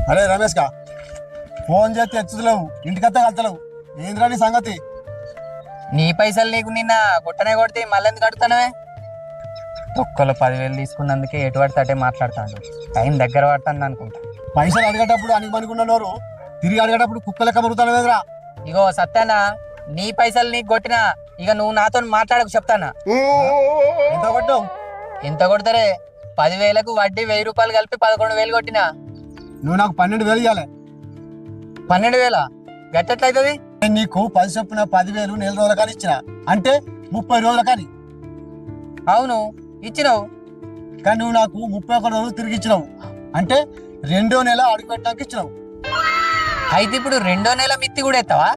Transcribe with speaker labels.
Speaker 1: అరే రమేష్ కా ఫోన్ చేస్తే ఎత్తులేవు, ఇంటికత్తా కలుతలేవు, ఏంద్రా నీ సంగతి?
Speaker 2: నీ పైసలు నీకు నిన్న కొట్టనే కొడితే మళ్ళీ ఎందుకు అడుగుతానవే? తొక్కలు 10,000 తీసుకున్నందుకే ఎటు పడితే అటే మాట్లాడతాడు. టైం దగ్గర పడుతుంది అనుకుంటా.
Speaker 1: పైసలు అడిగేటప్పుడు అనుకున్న నోరు తిరిగి అడిగేటప్పుడు కుక్క లెక్క మరుగుతాను వేదరా.
Speaker 2: ఇగో సత్యానా, నీ పైసలు నీకు కొట్టినా ఇక నువ్వు నాతో మాట్లాడకు చెప్తానా.
Speaker 1: ఎంత కొట్టావు?
Speaker 2: ఎంత కొడతారే? 10,000కు వడ్డీ 1,000 రూపాయలు కలిపి 11,000 కొట్టినా.
Speaker 1: నువ్వు నాకు 12,000 ఇవ్వాలి.
Speaker 2: 12,000 గట్టెట్లయితుంది?
Speaker 1: నేను నీకు 10 చొప్పున 10,000 నెల రోజుల కానీ ఇచ్చిన, అంటే 30 రోజుల కానీ.
Speaker 2: అవును ఇచ్చినావు,
Speaker 1: కానీ నువ్వు నాకు 31 రోజులు తిరిగి ఇచ్చినావు, అంటే 2వ నెల అడుగు పెట్టడానికి ఇచ్చినావు.
Speaker 2: అయితే ఇప్పుడు 2వ నెల మిత్తి కూడా ఎత్తావా?